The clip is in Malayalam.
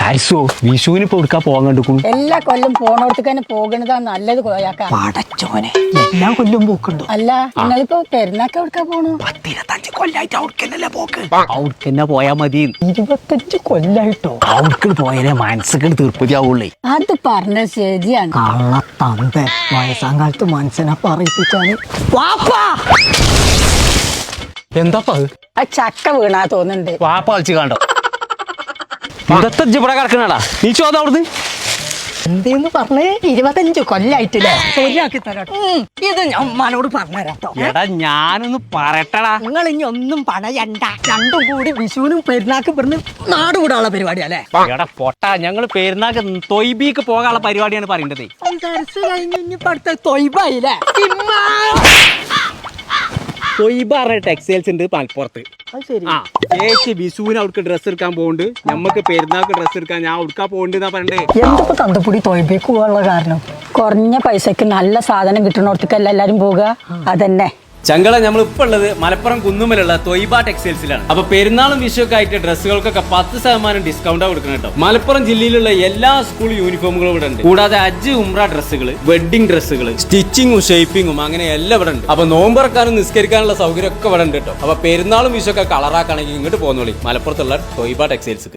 ആരിസോ വിഷുവിന് ഇപ്പൊ എടുക്കാൻ പോകാൻ കണ്ടുക്കും. എല്ലാ കൊല്ലം പോണോടത്തേക്ക് തന്നെ പോകണതാ നല്ലത്. പടച്ചോനെ എല്ലാ കൊല്ലം പോക്കുണ്ടോ? അല്ല നിങ്ങളിപ്പോ പെരുന്നാക്ക് എവിടുക്കാ പോണു? 10-25 കൊല്ലായിട്ട് അവർക്കെന്നല്ലേ പോക്ക്. അവർക്കെന്നെ പോയാ മതി. 25 കൊല്ലായിട്ടോ? അവർക്ക് പോയാലേ മനസ്സൊക്കെ തീർപ്പതി ആവുള്ളേ. അത് പറഞ്ഞത് ശരിയാണ്. കള്ളത്തന്ത വയസ്സാം കാലത്ത് മനസ്സിനെ പറയിപ്പിച്ചാല് എന്താപ്പാ ആ ചക്ക വീണാ തോന്നുന്നുണ്ട്. വാപ്പ കളിച്ച് കണ്ടോ? ഇവിടെ കിടക്കണടാ നീ ചോദ അവിടുന്ന് എന്തേന്ന് പറഞ്ഞേ? 25 കൊല്ലായിട്ടില്ലേ? ശരിയാക്കി തരാട്ടോ. ഇത് ഞാൻ ഉമ്മാനോട് പറഞ്ഞുതരാട്ടോ. എടാ ഞാനൊന്ന് പറയട്ടടാ. നിങ്ങൾ ഇനി ഒന്നും പണയണ്ട. രണ്ടും കൂടി വിഷുവിനും പെരുന്നാക്കും ഇവിടുന്ന് നാട് കൂടാനുള്ള പരിപാടിയല്ലേ? എടാ പൊട്ടാ, ഞങ്ങള് പെരുന്നാക്ക് തൊയ്ബിക്ക് പോകാനുള്ള പരിപാടിയാണ് പറയേണ്ടത്. കഴിഞ്ഞ് ഇനിയിപ്പോ അടുത്ത തൊയ്ബായില്ലേ? തൊയ്ബ ടെക്സ്റ്റൈൽസ് ഉണ്ട് മലപ്പുറത്ത്. ആ ചേച്ചി വിഷുവിന് അവർക്ക് ഡ്രസ്സ് എടുക്കാൻ പോകുന്നുണ്ട്. ഞമ്മക്ക് പെരുന്നാൾക്ക് ഡ്രസ്സ് എടുക്കാൻ ഞാൻ ഉടുക്കാൻ പോകുന്നുണ്ട് പറയണ്ടേ. എന്തിപ്പോ തന്തപ്പൊടി തൊയ്ബേക്ക് പോകാനുള്ള കാരണം? കുറഞ്ഞ പൈസക്ക് നല്ല സാധനം കിട്ടണോടത്തേക്കല്ല എല്ലാരും പോവുക. അതന്നെ ചങ്കള നമ്മൾ ഇപ്പൊ ഉള്ളത് മലപ്പുറം കുന്നുമ്മലുള്ള തൊയ്ബ ടെക്സ്റ്റൈൽസിലാണ്. അപ്പൊ പെരുന്നാളും വിഷുവൊക്കെ ആയിട്ട് ഡ്രസ്സുകൾക്കൊക്കെ 10% ഡിസ്കൗണ്ടാണ് കൊടുക്കണം കേട്ടോ. മലപ്പുറം ജില്ലയിലുള്ള എല്ലാ സ്കൂൾ യൂണിഫോമുകളും ഇവിടെ ഉണ്ട്. കൂടാതെ ഹജ്ജ് ഉംറ ഡ്രസ്സുകൾ, വെഡിങ് ഡ്രസ്സുകൾ, സ്റ്റിച്ചിങ്ങും ഷേപ്പിങ്ങും അങ്ങനെ എല്ലാം ഇവിടെ ഉണ്ട്. അപ്പൊ നോമ്പറക്കാനും നിസ്കരിക്കാനുള്ള സൗകര്യം ഒക്കെ ഇവിടെ ഉണ്ട് കേട്ടോ. അപ്പൊ പെരുന്നാളും വിഷുവൊക്കെ കളറാക്കാണെങ്കിൽ ഇങ്ങോട്ട് പോകുന്നോളി മലപ്പുറത്തുള്ള തൊയ്ബ ടെക്സ്റ്റൈൽസ്.